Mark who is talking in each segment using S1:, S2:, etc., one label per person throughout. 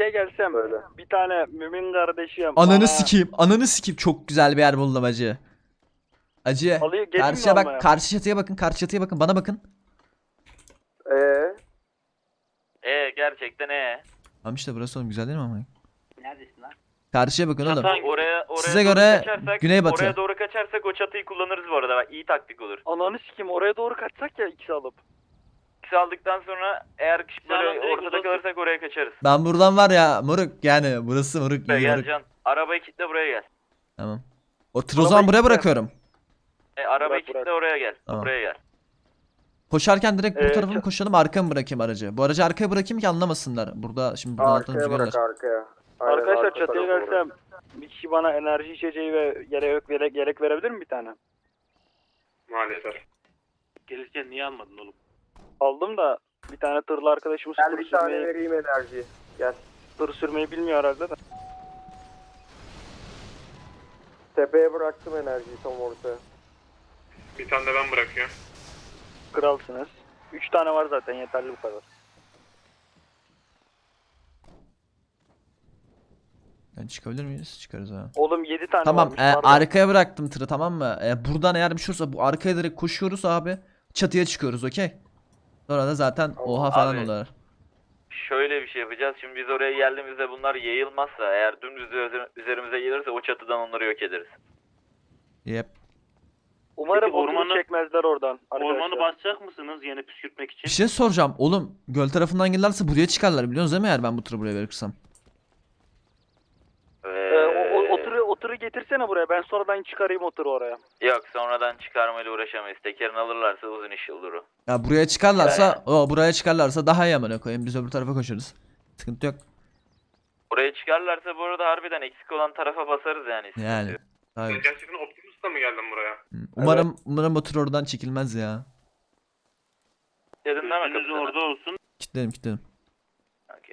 S1: çatıya gelsem
S2: Böyle.
S1: bir tane mümin kardeşim
S3: Ananı sikeyim. Ananı sikeyim. Çok güzel bir yer buldum acı. Acı.
S1: Alıyor, gelin mi
S3: Karşıya bak.
S1: almaya?
S3: Karşı çatıya bakın. Karşı çatıya bakın. Bana bakın.
S4: Gerçekten
S3: Tamam işte burası oğlum, güzel değil mi ama?
S5: Neredesin lan?
S3: Karşıya bakın oğlum.
S4: Oraya
S3: Size
S4: doğru
S3: göre
S4: kaçarsak,
S3: güneybatı.
S4: Oraya doğru kaçarsak o çatıyı kullanırız bu arada. Bak, iyi taktik olur.
S1: Ananı sikeyim, oraya doğru kaçsak ya ikisi alıp.
S4: İkisi aldıktan sonra eğer böyle
S5: direkt
S4: ortada
S5: uzasın.
S4: kalırsak oraya kaçarız.
S3: Ben buradan var ya moruk, yani burası moruk, iyi
S4: Gel
S3: moruk.
S4: Can. Arabayı kilitle, buraya gel.
S3: Tamam. O tır o zaman buraya
S1: kilitle.
S3: bırakıyorum.
S4: Arabayı
S1: Bırak,
S4: kilitle,
S1: bırak.
S4: oraya gel.
S3: Tamam.
S4: Buraya gel.
S3: Koşarken direkt bu tarafa mı
S1: ça-
S3: koşalım, arkaya mı bırakayım aracı? Bu aracı arkaya bırakayım ki anlamasınlar. Burada şimdi buradan alttan
S2: Arkaya
S3: rüzgar
S2: bırak,
S3: var.
S2: arkaya. Aynen,
S1: Arkadaşlar
S2: arka
S1: çatıya
S2: tarafa bırak.
S1: gelsem bir kişi bana enerji içeceği ve yelek verebilir mi bir tane?
S6: Maalesef.
S5: Gelirken niye almadın oğlum?
S1: Aldım da bir tane tırlı arkadaşımız
S2: Gel
S1: tır
S2: bir tane
S1: sürmeyi,
S2: vereyim enerji. Gel.
S1: tır sürmeyi bilmiyor herhalde de.
S2: Tepeye bıraktım enerjiyi tam ortaya.
S6: Bir tane de ben bırakıyorum.
S1: Kralsınız. 3 tane var zaten, yeterli bu kadar.
S3: Yani çıkabilir miyiz? Çıkarız ha.
S1: Oğlum 7 tane
S3: Tamam,
S1: varmış. pardon.
S3: arkaya bıraktım tırı, tamam mı? Buradan eğer bir şey olursa bu arkaya direkt koşuyoruz abi. Çatıya çıkıyoruz, okey? Sonra da zaten oha falan
S4: Abi.
S3: olur.
S4: Şöyle bir şey yapacağız. Şimdi biz oraya geldiğimizde bunlar yayılmazsa, eğer dümdüz üzerimize gelirse o çatıdan onları yok ederiz.
S3: Yep.
S1: Umarım
S5: Peki,
S1: ormanı
S5: ormanı-
S1: çekmezler oradan arkadaşlar.
S5: Ormanı basacak mısınız yeni püskürtmek için?
S3: Bir şey soracağım oğlum. Göl tarafından gelirlerse buraya çıkarlar, biliyorsunuz değil mi, eğer ben bu tırı buraya verirsem?
S1: O tırı getirsene buraya, ben sonradan çıkarayım o tırı oraya.
S4: Yok, sonradan çıkarmayla uğraşamayız. Tekerini alırlarsa uzun iş olur o.
S3: Ya buraya çıkarlarsa, buraya çıkarlarsa daha iyi amına koyayım. Biz öbür tarafa koşarız. Sıkıntı yok.
S4: Oraya çıkarlarsa bu arada harbiden eksik olan tarafa basarız yani. sıkıntı
S3: Yani.
S4: yok.
S3: Hayır.
S6: Sen gerçekten Optimus'la mı geldin buraya?
S3: Umarım o tır oradan çekilmez ya.
S4: Dedin değil mi
S5: Gözünüz
S4: kaptanım?
S5: orada olsun.
S3: Kilitledim.
S4: Okey.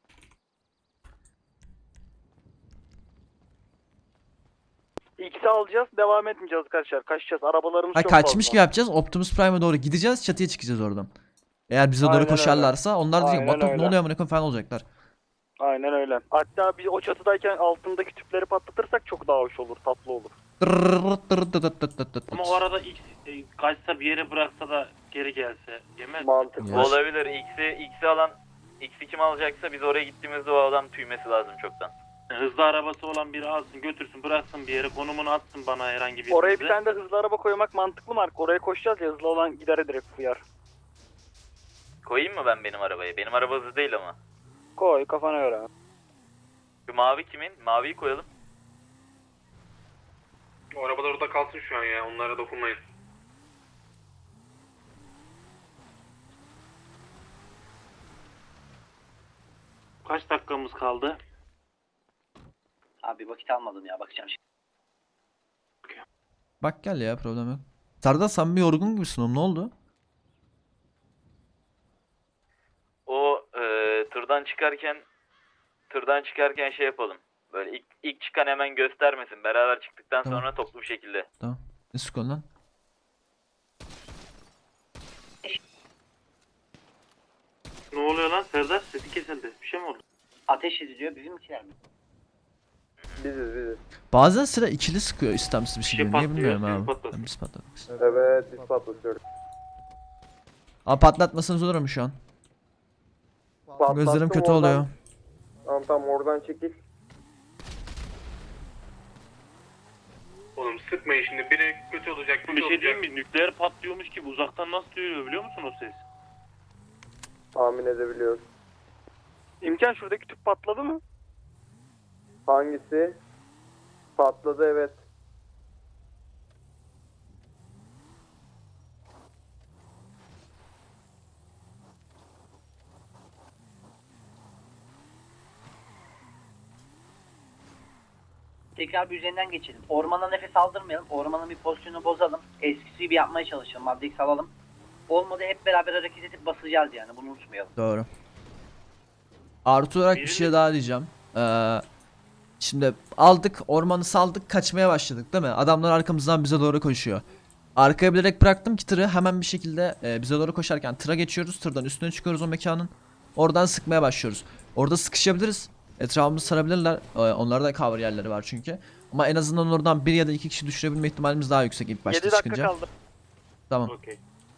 S1: X'i alacağız, devam etmeyeceğiz arkadaşlar. Kaçacağız, arabalarımız
S3: Ha,
S1: çok
S3: kaçmış
S1: fazla.
S3: gibi yapacağız. Optimus Prime'e doğru gideceğiz. Çatıya çıkacağız oradan. Eğer bize doğru
S1: Aynen
S3: koşarlarsa onlar diyecek
S1: Aynen
S3: Batu ne
S1: öyle.
S3: oluyor amına koyayım falan olacaklar.
S1: Aynen öyle. Hatta biz o çatıdayken altındaki tüpleri patlatırsak çok daha hoş olur, tatlı olur.
S5: Ama o arada X kaçsa bir yere bıraksa da geri gelse yemez.
S2: Mantıklı.
S3: Ya.
S4: Olabilir. X'i alan, X'i kim alacaksa biz oraya gittiğimizde o adam tüymesi lazım çoktan.
S5: Hızlı arabası olan biri alsın götürsün bıraksın bir yere konumunu atsın bana herhangi bir
S1: Oraya bir tane de hızlı araba koymak mantıklı mı? Oraya koşacağız ya, hızlı olan gider direkt fıyar.
S4: Koyayım mı ben benim arabayı? Benim araba hızlı değil ama.
S1: Koy kafana göre.
S4: Şu mavi kimin? Maviyi koyalım.
S6: O arabalar orada kalsın şu an ya. Onlara dokunmayın.
S5: Kaç dakikamız kaldı?
S7: Abi vakit almadım ya, bakacağım şimdi.
S3: Bak gel ya, problem yok. Serdar sen bir yorgun gibisin oğlum, ne oldu?
S4: O tırdan çıkarken şey yapalım. Böyle ilk çıkan hemen göstermesin. Beraber çıktıktan
S3: Tamam.
S4: sonra toplu bir şekilde.
S3: Tamam. Ne sıkıyorsun lan?
S5: Ne oluyor lan Serdar? Sesi kesildi. Bir şey mi oldu?
S7: Ateş ediliyor, bizimkiler mi?
S2: Biziz.
S3: Bazen sıra ikili sıkıyor istemsiz bir
S5: şey
S3: şekilde. Niye
S5: patlıyor,
S3: bilmiyorum
S5: siz
S3: abi.
S5: patlatın.
S3: Biz patlatırız.
S2: Evet, biz patlatıyoruz.
S3: Abi patlatmasanız olur mu şu an?
S2: Patlattım
S3: Gözlerim kötü
S2: oradan.
S3: oluyor.
S2: Tamam oradan çekil.
S6: Oğlum sıkmayın şimdi. Biri kötü olacak, kötü
S5: Bir şey
S6: olacak.
S5: diyeyim mi? Nükleer patlıyormuş gibi uzaktan nasıl duyuluyor biliyor musun o ses?
S2: Tahmin edebiliyoruz.
S1: İmkan, şuradaki tüp patladı mı?
S2: Hangisi? Patladı, evet.
S7: Tekrar bir üzerinden geçelim. Ormana nefes aldırmayalım. Ormanın bir pozisyonunu bozalım. Eskisi gibi yapmaya çalışalım. Maddix alalım. Olmadı hep beraber hareket edip basacağız yani. Bunu unutmayalım.
S3: Doğru. Artı olarak bir şey daha diyeceğim. Şimdi aldık, ormanı saldık, kaçmaya başladık değil mi? Adamlar arkamızdan bize doğru koşuyor. Arkaya bilerek bıraktım ki tırı, hemen bir şekilde bize doğru koşarken tıra geçiyoruz. Tırdan üstüne çıkıyoruz o mekanın. Oradan sıkmaya başlıyoruz. Orada sıkışabiliriz. Etrafımızı sarabilirler. Onlarda da cover yerleri var çünkü. Ama en azından oradan bir ya da iki kişi düşürebilme ihtimalimiz daha yüksek ilk başta
S1: 7 dakika
S3: çıkınca.
S1: kaldı.
S3: Tamam.
S5: Okey.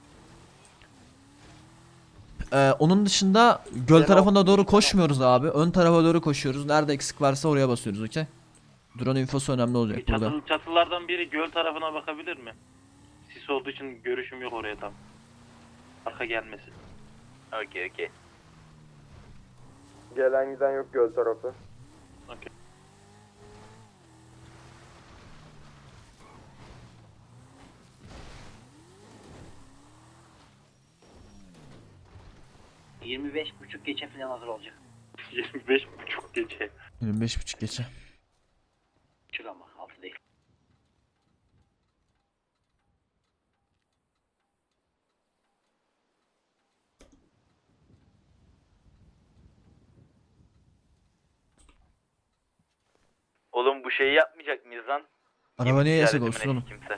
S3: Onun dışında göl
S1: Gene
S3: tarafına doğru
S1: okumuş,
S3: koşmuyoruz abi. Ön tarafa doğru koşuyoruz. Nerede eksik varsa oraya basıyoruz, okey? Drone infosu önemli olacak burada.
S5: Çatılardan biri göl tarafına bakabilir mi? Sis olduğu için görüşüm yok oraya tam. Arka gelmesin.
S4: Okey okey.
S2: Gelen giden yok göl tarafı.
S5: Okey.
S7: ...25.30 geçe falan hazır olacak.
S5: 25.30 gece.
S3: 25.30 geçe.
S7: Çık ama 6 değil.
S4: Oğlum bu şeyi yapmayacak mıyız lan?
S3: Araba niye yasak
S4: İşaretimine
S3: olsun oğlum?
S4: Kimse.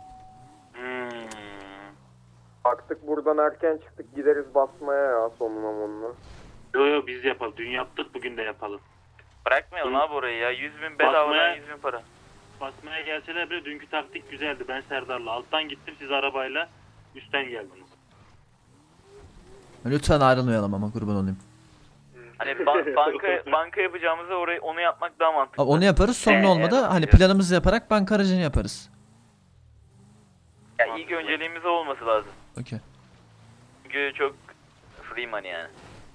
S2: Baktık buradan erken çıktık gideriz basmaya ya sonuna monuna.
S5: Yo biz yapalım. Dün yaptık bugün de yapalım.
S4: Bırakmayalım
S5: Hı.
S4: abi orayı ya. 100.000 bedavadan
S5: Basmaya-
S4: 100.000 para.
S5: Basmaya gelseler bile dünkü taktik güzeldi. Ben Serdar'la alttan gittim, siz arabayla üstten geldiniz.
S3: Lütfen ayrılmayalım ama, kurban olayım.
S4: Hani banka yapacağımızda orayı onu yapmak daha mantıklı.
S3: Abi onu yaparız, sonra olmadı
S4: evet,
S3: hani
S4: evet.
S3: planımızı yaparak banka aracını yaparız.
S4: Ya ilk önceliğimiz o olması lazım.
S3: Okey.
S4: Çünkü çok free money yani.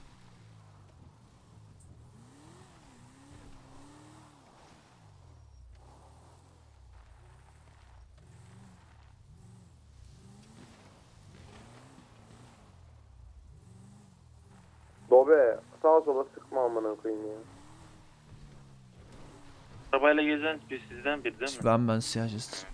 S2: Dobe sağa sola sıkma amına koyayım ya.
S5: Arabayla gezen bir sizden biri değil mi?
S3: Ben siyah jest.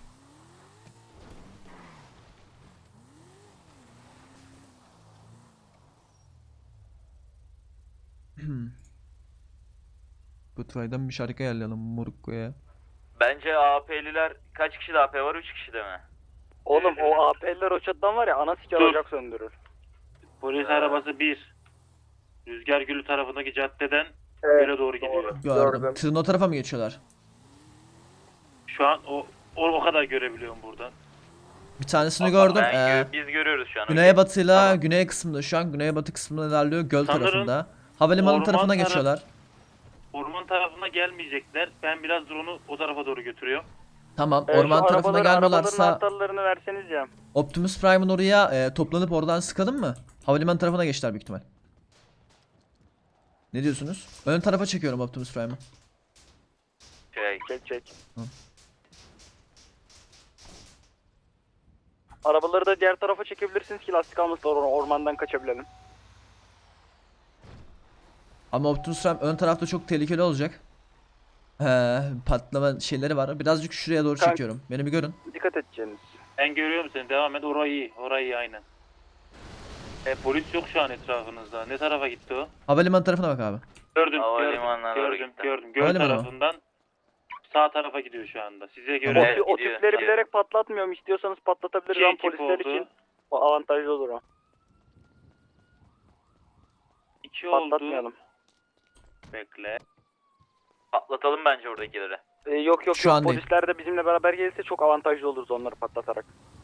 S3: Goodfried'den bir şarkı ayarlayalım Morukko'ya.
S4: Bence AP'liler kaç kişi de AP var? 3 kişi de mi?
S1: Oğlum o AP'liler o çatıdan var ya ana siker
S5: Dur.
S1: ocak söndürür.
S5: Polis arabası 1. Rüzgar Gülü tarafındaki caddeden
S2: Evet,
S5: göle doğru gidiyor.
S3: Gördüm.
S2: Gördüm.
S3: Tırın o tarafa mı geçiyorlar?
S5: Şu an o kadar görebiliyorum buradan.
S3: Bir tanesini gördüm.
S4: Biz görüyoruz şu an.
S3: Güneybatıyla
S4: Tamam.
S3: güney kısmında, şu an güneybatı kısmında ilerliyor, göl
S5: Sanırım
S3: tarafında. Havalimanı
S5: orman
S3: tarafına
S5: taraf-
S3: geçiyorlar.
S5: Orman tarafına gelmeyecekler. Ben biraz drone'u o tarafa doğru götürüyorum.
S3: Tamam,
S1: Şu
S3: orman tarafına
S1: arabaların
S3: gelmiyorlarsa
S1: anahtarlarını verseniz ya.
S3: Optimus Prime'ın oraya toplanıp oradan sıkalım mı? Havalimanı tarafına geçtiler büyük ihtimal. Ne diyorsunuz? Ön tarafa çekiyorum Optimus Prime'ı.
S1: Çek.
S3: Hı.
S1: Arabaları da diğer tarafa çekebilirsiniz ki lastik almasınlar, ormandan kaçabilelim.
S3: Ama Optimus Prime ön tarafta çok tehlikeli olacak. Patlama şeyleri var. Birazcık şuraya doğru
S1: Kanka.
S3: çekiyorum. Beni bir görün.
S1: Dikkat edeceğiniz.
S5: Ben görüyorum seni. Devam et. Orayı iyi aynen. Polis yok şu an etrafınızda. Ne tarafa gitti o?
S3: Havalimanı tarafına bak abi.
S5: Gördüm.
S4: Havalimanına doğru gitti.
S5: Gördüm. Göl
S3: Havalimanı mı?
S5: tarafından sağ tarafa gidiyor şu anda. Size göre
S3: Tamam.
S4: Evet,
S1: O
S4: gidiyor.
S1: tüpleri bilerek patlatmıyorum. İstiyorsanız patlatabiliriz
S5: İki
S1: ama
S5: ekip
S1: polisler
S5: oldu.
S1: için o avantajlı olur o.
S5: 2 oldu.
S1: Patlatmayalım.
S5: Bekle.
S4: Atlatalım bence oradakileri.
S1: Yok
S3: Şu an değil.
S1: polisler de bizimle beraber gelirse çok avantajlı oluruz onları patlatarak.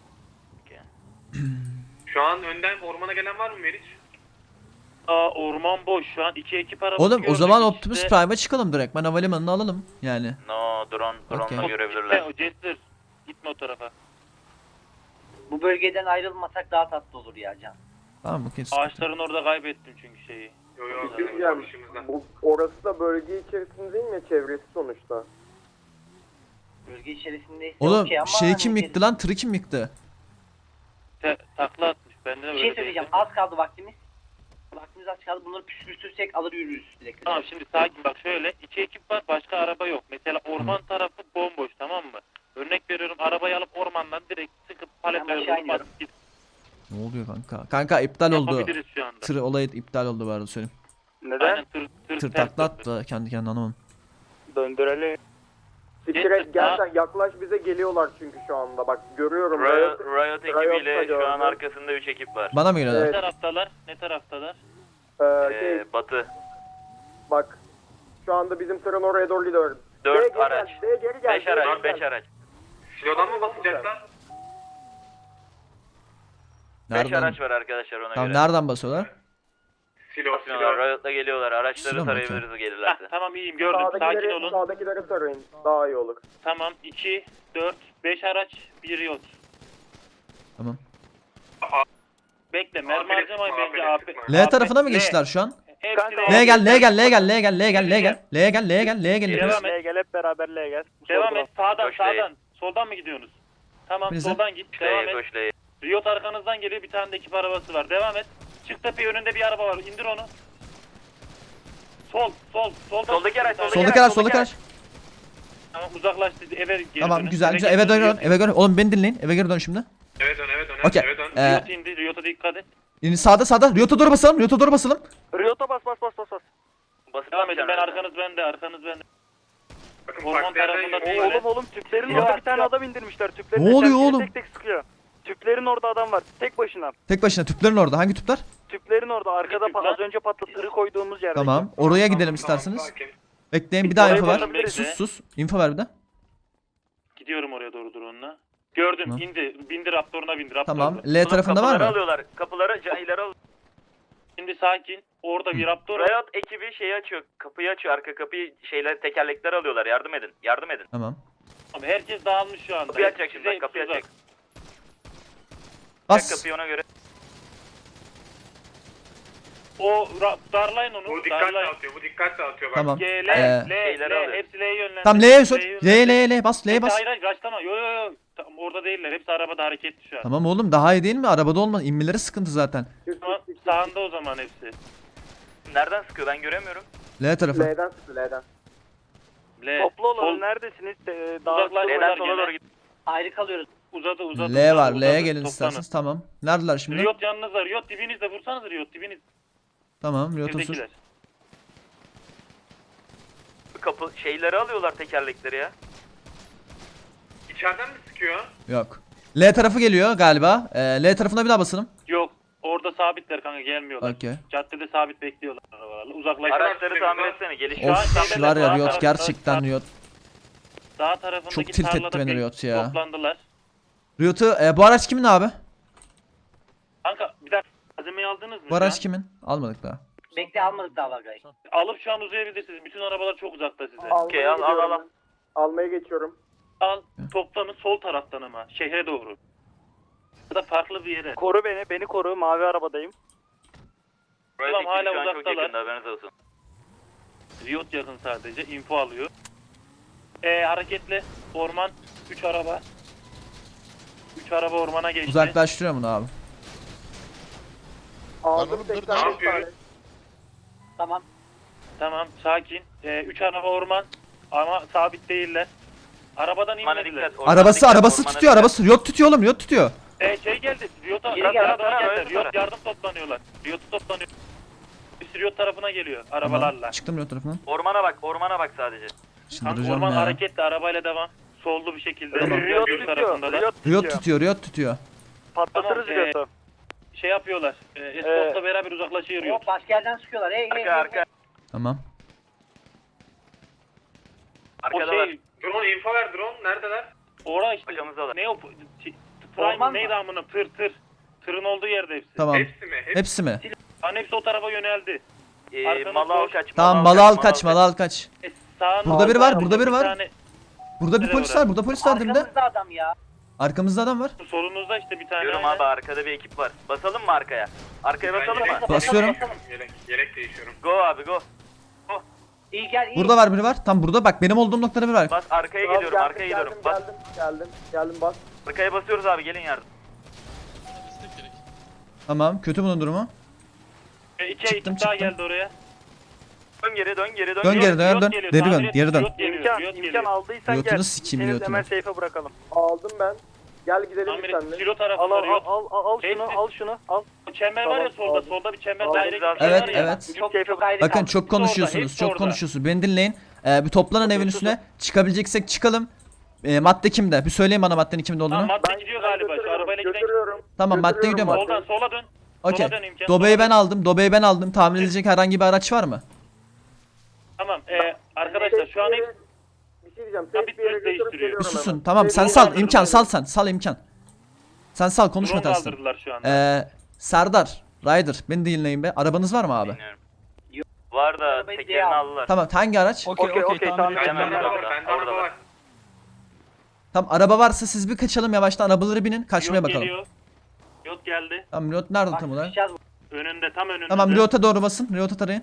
S6: Şu an önden ormana gelen var mı Meriç?
S5: Orman boş şu an. 2 ekip arabası
S3: Oğlum o
S5: gördük.
S3: zaman
S5: İkisi
S3: Optimus
S5: de-
S3: Prime'a çıkalım direkt. Ben havalimanını alalım yani.
S4: No drone'la
S3: Okey.
S4: görebilirler.
S5: O Jester. Gitme o tarafa.
S7: Bu bölgeden ayrılmasak daha tatlı olur ya Can.
S3: Tamam, okey. sıkıntı yok.
S5: Ağaçların orada kaybettim çünkü şeyi.
S6: Yo
S2: Yani, orası da bölge içerisinde değil mi? Çevresi sonuçta.
S7: Bölge içerisindeyse
S3: Oğlum
S7: okey ama
S3: şeyi
S7: hani
S3: kim yıktı lan? Tırı kim yıktı?
S5: Takla atmış. Bende de
S7: Bir
S5: böyle
S7: şey söyleyeceğim.
S5: değildi.
S7: Az kaldı vaktimiz. Vaktimiz az kaldı. Bunları püskürtürsek alır yürürüz direkt.
S5: Tamam şimdi sakin bak şöyle. 2 ekip var, başka araba yok. Mesela orman tarafı bomboş, tamam mı? Örnek veriyorum, arabayı alıp ormandan direkt sıkıp
S7: Ben
S5: paletleri
S7: aşağı
S5: alıp
S7: iniyorum.
S5: atıp git.
S3: Ne oluyor kanka? Kanka iptal oldu.
S5: Yapabiliriz şu anda.
S3: Tır olayı iptal oldu bu arada söyleyeyim.
S1: Neden?
S5: Aynen tır
S3: Tır
S5: ters
S3: takla
S5: döndü.
S3: attı kendi kendine, anlamadım.
S1: Döndürelim.
S2: Siktir et gel sen, yaklaş bize geliyorlar çünkü şu anda bak görüyorum.
S4: Riot
S2: Riot'ta
S4: ekibiyle şu an
S2: gördüm.
S4: arkasında 3 ekip var.
S3: Bana mı geliyorlar?
S2: Evet.
S5: Ne taraftalar? Ne taraftalar?
S2: Şey,
S4: Batı.
S2: bak Şu anda bizim tırın oraya doğru gidiyoruz.
S4: 4 araç.
S2: Geri gel.
S4: 5 araç. 5 araç.
S6: Silodan mı basacaklar?
S4: 5
S3: Nereden?
S4: araç var arkadaşlar ona
S3: Tamam
S4: göre.
S3: nereden basıyorlar?
S6: Silo.
S4: Riot'la geliyorlar. Araçları
S3: Silo mu?
S4: tarayabiliriz
S5: Heh,
S4: gelirlerse.
S5: tamam iyiyim gördüm. Sakin olun.
S2: Sağdakileri tarayın. Daha iyi olur.
S5: Tamam 2, 4, 5 araç, 1 Riot.
S3: Tamam.
S5: Bekle mermi
S6: Aferin,
S5: harcamayın bence
S6: aferin,
S5: AP.
S3: L tarafına mı geçtiler şu an?
S5: Hepsi
S3: L'ye gel, L'ye gel, L'ye gel, L'ye gel, L'ye gel, L'ye gel, L'ye gel, L'ye gel, L'ye gel, L'ye
S5: Devam
S3: gel.
S5: et.
S1: Gel hep beraber L'ye gel.
S5: Devam et sağdan
S4: Koş L'ye.
S5: sağdan. Soldan mı gidiyorsunuz? Tamam
S3: Bize.
S5: soldan git. Devam
S4: L'ye
S5: et.
S4: koş L'ye.
S5: Riot arkanızdan geliyor, bir tane de ekip arabası var. Devam et. Çık tepeye, önünde bir araba var. İndir onu. Soldan.
S4: Soldaki araç,
S3: Soldaki araç, soldaki araç.
S5: Tamam uzaklaştı. Eve geri
S3: Tamam
S5: dönün.
S3: güzel, güzel. Eve dön, eve dön. Oğlum beni dinleyin. Eve geri dön şimdi.
S6: Eve dön.
S3: Okey.
S6: Eve dön.
S5: Riot indi. Riot'a dikkat et.
S3: Yine sağda. Riot'a doğru basalım, Riot'a doğru basalım.
S1: Riot'a bas.
S4: Basıp
S5: Devam edin. Ben
S4: atacaksın.
S5: arkanız bende.
S6: Bakın
S5: Orman
S6: farklı yerden
S5: tarafında
S6: geliyor.
S5: değil.
S1: Oğlum tüplerin
S5: Yok.
S1: orada bir tane adam indirmişler. Tüplerin
S3: Ne oluyor
S1: etrafına
S3: oğlum?
S1: Tek tek sıkıyor. Tüplerin orada adam var. Tek başına.
S3: Tek başına tüplerin orada. Hangi tüpler?
S1: Tüplerin orada arkada
S5: tüp lan?
S1: az önce patlatırı koyduğumuz yerde.
S3: Tamam. Oraya gidelim
S6: Tamam,
S3: isterseniz.
S6: sakin.
S3: Bekleyin bir daha
S1: Oraya
S3: info ver.
S1: basabiliriz.
S3: Sus. Info ver bir de.
S5: Gidiyorum oraya doğru drone'la. Gördüm.
S3: Tamam.
S5: İndi. Bindi Raptor'una bindi. Raptor'da.
S3: Tamam. L tarafında var
S4: Kapıları
S3: mı?
S4: alıyorlar. Kapıları cahileri alıyorlar.
S5: Şimdi sakin. Orada bir Raptor.
S4: Riot ekibi şeyi açıyor. Kapıyı açıyor. Arka kapıyı tekerlekleri alıyorlar. Yardım edin.
S3: Tamam.
S5: Abi herkes dağılmış şu anda.
S4: Kapıyı açacak şimdi.
S5: Size
S4: Bak kapıyı
S5: tuzak.
S4: açacak. Çek
S3: Bas.
S4: kapıyı ona göre.
S5: Darlayın onu.
S6: Bu dikkat dağıtıyor. Bak.
S3: Tamam.
S5: L,
S4: şeyleri alıyor.
S5: hepsi L'ye yönlendi.
S3: Tamam L'ye sor.
S5: yönlendi.
S3: L bas. L'ye
S5: Hepsi
S3: bas.
S5: Hayır raşlama. Yo. Tamam, orada değiller. Hepsi arabada hareketli şu an.
S3: Tamam oğlum daha iyi değil mi? Arabada olmaz. İnmeleri sıkıntı zaten.
S5: Tamam, sağında o zaman hepsi.
S4: Nereden sıkıyor? Ben göremiyorum.
S3: L tarafı.
S2: L'den sıktı L'den.
S5: L.
S1: Toplu olalım.
S5: Sol-
S1: Neredesiniz?
S5: Uzaklaş-
S4: Neden sola doğru git.
S7: Ayrı kalıyoruz.
S5: Uzadı.
S3: L var. L'ye
S5: uzadı.
S3: gelin
S5: Toplanın.
S3: isterseniz. Tamam. Neredeler şimdi?
S5: Riot yanınızda. Riot dibinizde. Vursanız Riot dibiniz.
S3: Tamam. Riot'a sür.
S5: Birdekiler.
S4: Kapı şeyleri alıyorlar tekerlekleri ya.
S6: İçeriden mi sıkıyor?
S3: Yok. L tarafı geliyor galiba. L tarafına bir daha basalım.
S5: Yok. Orada sabitler kanka gelmiyorlar.
S3: Okey.
S5: Caddede sabit bekliyorlar arabalarla. Uzaklaşın.
S4: Araçları tamir etsene. Geliş
S5: Şu an
S3: Of
S5: şeyde
S3: var ya
S5: sağ
S3: Riot
S5: tarafta-
S3: gerçekten Riot.
S5: Dağ tarafındaki
S3: Çok tilt etti
S5: tarlada
S3: beni
S5: bir
S3: Riot ya.
S5: Toplandılar.
S3: Riot'u bu araç kimin abi?
S5: Kanka bir dakika malzemeyi aldınız mı?
S3: Bu araç kimin? Almadık daha.
S7: Bekle almadık daha Vargay.
S5: Alıp şu an uzayabilirsiniz. Bütün arabalar çok uzakta size.
S4: Okey, al.
S2: Almaya geçiyorum.
S5: Al toplanın sol taraftan ama şehre doğru. Ya da farklı bir yere.
S1: Koru beni. Beni koru. Mavi arabadayım.
S4: Riot
S5: Tamam,
S4: ekibi
S5: hala
S4: şu an çok
S5: uzaktalar.
S4: yakında haberiniz olsun.
S5: Riot yakın sadece info alıyor. Hareketli orman 3 araba. 3 araba ormana geçti.
S3: Uzaklaştırıyorum bunu abi.
S2: Aldım
S6: Ne
S2: 85 tane.
S6: yapıyoruz?
S7: Tamam.
S5: Tamam sakin. 3 araba orman ama sabit değiller. Arabadan
S4: Ormana
S5: inmediler.
S4: dikkat. ormana
S3: Arabası
S4: dikkat,
S3: arabası
S4: ormana
S3: tutuyor
S4: dikkat.
S3: arabası. Riot tutuyor oğlum Riot tutuyor.
S5: Şey geldi. Riot'a
S7: Geri gel,
S5: yardıma
S4: tara,
S5: geldiler.
S4: öyle
S5: Riot
S4: tara.
S5: yardım toplanıyorlar. Riot'u toplanıyor. Bir Riot tarafına geliyor arabalarla.
S3: Tamam. Çıktım Riot tarafından.
S4: Ormana bak sadece.
S3: Şimdi
S5: Kanka
S3: duracağım
S5: orman
S3: ya.
S5: hareketli arabayla devam. Sollu bir şekilde.
S3: Tamam.
S1: Riot
S5: Riot
S1: tutuyor.
S5: tarafındalar.
S3: Riot tutuyor Riot tutuyor.
S1: Patlatırız
S5: Tamam,
S1: Riot'u.
S5: Şey yapıyorlar. Escort'la beraber uzaklaşıyor Riot.
S7: Hop başka yerden sıkıyorlar. Hey.
S4: Arka.
S3: Tamam.
S5: O
S4: Arkada var.
S5: şey
S6: Drone info ver drone. Neredeler?
S5: orada işte.
S4: Arkamızdalar.
S5: Ne o?
S7: Orman
S5: Prime
S7: mı?
S5: neydi amına? Tır. Tırın olduğu yerde hepsi.
S3: Tamam.
S6: Hepsi mi?
S3: Hepsi mi?
S5: Hani hepsi o tarafa yöneldi. Arkanız
S4: Malı al
S5: boş.
S4: kaç.
S3: Tamam malı al kaç malı al kaç.
S5: Sağın
S3: Burada biri var,
S5: orada
S3: burada biri var.
S5: tane-
S3: Burada bir
S5: Nereye
S3: polis
S5: bırak?
S3: var burada polis var dibinde.
S7: Arkamızda adam ya.
S3: Arkamızda adam var.
S5: Solunuzda işte bir tane.
S4: Diyorum
S5: aynen.
S4: abi arkada bir ekip var. Basalım mı arkaya? Arkaya basalım mı?
S3: Basıyorum.
S6: Yelek değişiyorum.
S4: Go abi go.
S7: İyi gel iyi.
S3: Burada var biri var. Tam burada bak benim olduğum noktada biri var.
S4: Bas arkaya
S2: Tamam,
S4: gidiyorum. Arkaya gidiyorum. Bas.
S2: Geldim bas.
S4: Arkaya basıyoruz abi gelin yardım.
S3: Tamam kötü bunun durumu.
S5: İki
S3: Çıktım,
S5: ekip daha
S3: çıktım.
S5: geldi oraya.
S4: Dön geri dön geri dön.
S3: Dön geri
S5: Riot
S3: dön.
S5: geliyor,
S3: Geri
S5: tamir
S3: dön
S5: et,
S3: geri dön.
S5: Riot geliyor,
S1: İmkan,
S5: Riot
S1: imkan
S5: geliyor.
S1: aldıysan
S3: Riot'unu
S1: gel.
S3: sikeyim,
S1: Seni
S3: Riot'unu.
S1: hemen safe'e bırakalım.
S2: Aldım ben. Gel gidelim
S5: Tamir
S2: biz
S5: et.
S2: seninle.
S5: Silo
S1: Al
S5: tarafında
S1: al
S5: Riot.
S1: al şunu
S5: Hepsi-
S1: al şunu al.
S5: O çember var ya
S2: Tamam,
S5: solda.
S2: aldım.
S5: Solda bir çember
S2: Aldım.
S5: daire gibi
S4: Evet,
S5: bir şey var ya.
S3: evet.
S7: Çok ayrı
S3: Bakın
S7: kaldı.
S3: çok konuşuyorsunuz
S5: hepsi
S3: çok
S5: orada.
S3: konuşuyorsunuz. Beni dinleyin. Bir toplanın evin üstüne. Çıkabileceksek çıkalım. Madde kimde? Bir söyleyin bana maddenin kimde
S5: Tamam
S3: olduğunu.
S5: madde gidiyor galiba. Şu arabayla giden.
S2: Götürüyorum.
S3: Tamam madde gidiyor
S2: Götürüyorum
S3: mu?
S5: Soldan sola dön.
S3: Okey.
S5: Sola dön imkan.
S3: Dobeyi ben aldım. Dobeyi ben aldım. Tahmin edilecek herhangi bir araç var mı?
S5: Tamam. Arkadaşlar şu an hep
S2: Bir şey diyeceğim.
S5: Tabii
S2: Safe bir yere
S5: Türk
S2: götürüp
S5: değiştiriyor.
S2: geliyorum
S3: Bir susun
S2: hemen.
S3: tamam sen
S2: Safe
S3: sal
S2: bir yere
S3: imkan sal
S2: götürüyorum.
S3: sal imkan. Sen sal konuşma
S5: drone
S3: tersten.
S5: kaldırdılar şu anda.
S3: Serdar, Ryder beni dinleyin be. Arabanız var mı abi?
S4: Bilmiyorum. Var da
S7: Arabayı
S4: tekerini
S7: diye al.
S4: aldılar.
S3: Tamam hangi araç?
S1: Okey tamam.
S6: Bende
S4: Hemen
S6: araba var.
S4: orada,
S6: Bende araba
S4: orada.
S6: var.
S3: Tamam araba varsa siz bir kaçalım yavaştan arabaları binin kaçmaya
S5: Yok
S3: bakalım.
S5: geliyor. Yok geldi.
S3: Tamam Riot nerede
S7: Bak
S3: tam olarak?
S7: sıkışacağız.
S5: Önünde, tam önünde.
S3: Tamam Riot'a doğru basın. Riot'a tarayın.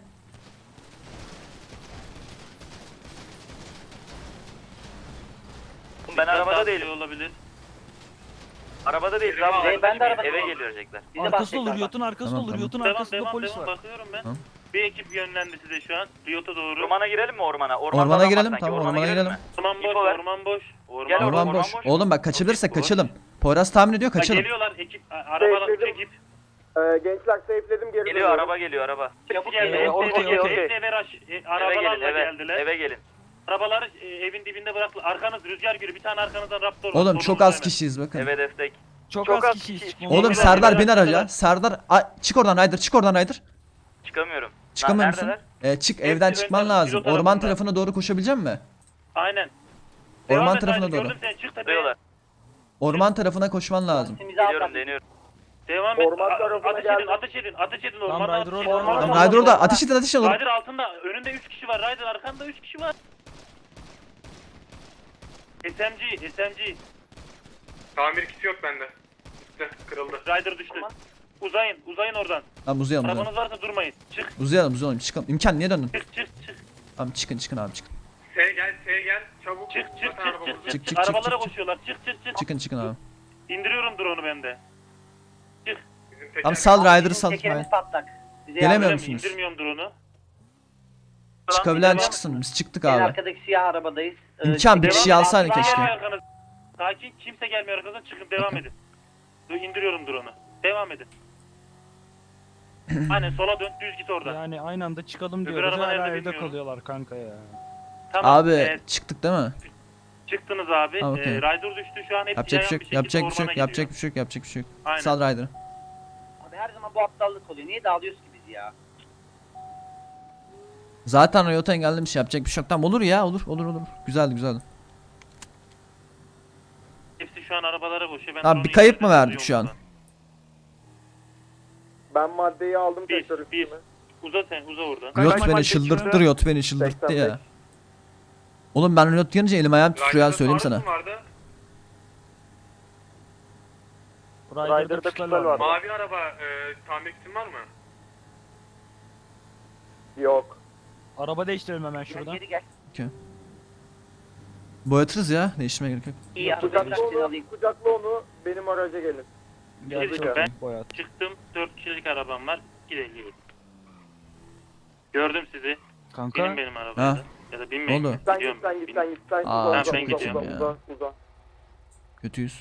S4: Ben arabada değilim.
S5: Olabilir.
S4: Arabada değiliz
S6: Benim
S4: abi.
S7: abi, ben de arabada
S4: Eve
S7: değilim.
S4: gelecekler.
S7: Bize
S8: Arkası
S7: bahset
S8: olur,
S7: bak.
S8: Riot'un arkası
S3: Tamam,
S8: olur,
S3: tamam.
S8: Riot'un
S5: Devam
S8: arkasında polis var.
S5: bakıyorum ben.
S3: Tamam.
S5: Bir ekip yönlendi size şu an. Riot'a doğru.
S4: Ormana girelim mi ormana?
S3: Ormana
S4: adam
S3: girelim,
S4: var sanki,
S3: tamam, ormana girelim.
S4: mi?
S5: Orman boş,
S4: İnfo ver.
S5: orman boş.
S4: Gel
S5: Orman
S4: orman
S3: Orman boş.
S4: boş.
S3: Oğlum bak kaçabilirsek
S5: Boş.
S3: kaçalım. Poyraz tahmin ediyor
S5: Ha,
S3: kaçalım.
S5: geliyorlar ekip, arabalar
S2: Bekledim.
S5: ekip.
S2: Gençler safeledim geri
S4: Geliyor
S2: dönüyorum.
S4: araba geliyor araba.
S5: Hepsi geldi.
S1: okey.
S5: Hepsi eve rush.
S4: Eve
S5: Arabalarla
S4: gelin eve.
S5: geldiler.
S4: Eve gelin.
S5: Arabaları evin dibinde bıraktılar. Arkanız rüzgar gürü. Bir tane arkanızdan raptor var.
S3: Oğlum çok
S5: Solunuzda
S3: az
S5: hemen.
S3: kişiyiz bakın.
S4: Eve destek.
S8: Çok,
S1: Çok
S8: az
S1: az
S8: kişiyiz.
S1: kişi.
S8: çıkmamız
S3: Oğlum
S8: lazım.
S3: Serdar bin
S5: Biraz
S3: araca.
S5: daha.
S3: Serdar çık oradan Ryder çık oradan Ryder.
S4: Çıkamıyorum.
S3: Çıkamıyor musun?
S4: Neredeler?
S3: Çık
S5: Hepsi
S3: evden
S5: önden,
S3: çıkman lazım.
S5: pilot
S3: Orman
S5: tarafında.
S3: tarafına doğru koşabilecek misin?
S5: Aynen.
S3: Orman
S5: Devam et,
S3: tarafına
S5: haydi,
S3: doğru.
S5: gördüm seni. Çık tepeye.
S4: Duruyorlar.
S3: Orman tarafına koşman lazım.
S7: Simizi al
S4: Deniyorum
S7: bak.
S4: deniyorum.
S5: Devam et.
S2: Orman tarafına
S5: Ateş
S2: geldim.
S5: edin, ateş edin, ateş edin.
S8: Tamam,
S5: Ormandan
S8: Ryder
S5: ateş
S8: orada,
S5: edin.
S8: orada.
S3: Tamam, Ryder orada ateş edin ateş edin.
S5: Ryder altında. Önünde 3 kişi var. Ryder arkanda 3 kişi var. SMG.
S6: Tamir kiti yok bende. Gitti, kırıldı.
S5: Rider düştü. Uzayın oradan.
S3: Tamam uzayalım.
S5: Arabanız varsa durmayın. Çık,
S3: Uzayalım çıkalım. İmkan niye döndün?
S5: çık.
S3: Tamam çıkın abi çıkın.
S6: S gel, çabuk.
S5: Çık.
S6: Zaten arabamız yok.
S3: Çık,
S5: Arabalara
S3: çık.
S5: koşuyorlar. Çık.
S3: Çıkın abi.
S5: İndiriyorum drone'u bende.
S6: Bizim teker-
S3: Tamam sal Ryder'ı sal.
S7: Tekerimiz patlak. Bize
S3: Gelemiyor
S7: yardım-
S3: musunuz?
S5: İndirmiyorum drone'u.
S3: Çıkabilen
S5: Devam-
S3: çıksın. Biz çıktık
S7: En
S3: abi.
S7: arkadaki siyah arabadayız.
S3: İmkan bir
S5: Devam
S3: kişiyi
S5: edin.
S3: alsaydın
S5: Kimse
S3: keşke.
S5: gelmiyor arkanızdan. Sakin. Kimse gelmiyor arkanızdan. Çıkın. Devam edin. İndiriyorum drone'u. Devam edin. Aynen sola dön. Düz git oradan.
S8: Yani aynı anda çıkalım
S5: Öbür
S8: diyoruz,
S5: araba
S8: hala
S5: nerede
S8: evde
S5: bilmiyorum.
S8: kalıyorlar kanka ya.
S5: Tamam.
S3: Abi çıktık değil mi?
S5: Çıktınız abi.
S3: Tamam, okey.
S5: Rider düştü. Şu an hepsi
S3: Yapacak bir şey yok.
S5: yayan
S3: Yapacak bir şey yok.
S5: ormana
S3: Yapacak
S5: gidiyor.
S3: bir şey yok. Yapacak bir şey yok.
S5: Aynen.
S3: Sal Ryder'ı.
S7: Abi her zaman bu aptallık oluyor. Niye dağılıyoruz ki biz ya?
S3: Zaten Riot'a engellemiş. Yapacak bir şey yok. Tamam olur ya. Olur. Güzeldi.
S5: Hepsi şu an arabalara koşuyor. Ben
S3: Tamam,
S5: drone'u
S3: bir kayıp mı
S5: indirdim,
S3: verdik şu an?
S5: yoldan.
S2: Ben maddeyi aldım
S5: Bir.
S2: tekrar üstüme.
S5: Uza sen. Uza oradan.
S3: Riot
S1: kaç
S3: beni
S1: madde
S3: çıldırttı.
S1: çıktı?
S3: Riot beni çıldırttı ya.
S2: 85.
S3: Oğlum ben Riot yanınca elim ayağım titriyor ya
S6: Rider'da
S3: söyleyeyim
S6: taarruz
S3: sana.
S6: mu vardı?
S8: Ryder'da
S1: Ryder'da
S8: pistol
S1: pistol
S8: var.
S1: var.
S6: Mavi araba, tamir kitin var mı?
S2: Yok.
S8: Araba değiştirelim hemen
S7: Gel,
S8: şuradan.
S7: geri gel.
S3: Boyatırız ya. Değiştirmeye gerek yok.
S7: İyi arabayı
S2: Kucakla
S7: seni
S2: onu,
S7: alayım.
S2: kucakla onu benim araca gelin.
S8: Gel
S5: Ben-
S8: şuradan boyat.
S5: Çıktım. 4 kişilik arabam var. Gidelim. Gördüm sizi.
S8: Kanka
S5: Binin benim arabaya.
S3: Ha.
S5: da. Ya da binmeyin.
S3: Ne oldu?
S2: Sen
S5: Gidiyorum.
S2: git.
S3: Aa,
S5: Ben
S3: çok
S5: gideceğim
S2: uza,
S5: ya.
S2: uza.
S3: Kötüyüz.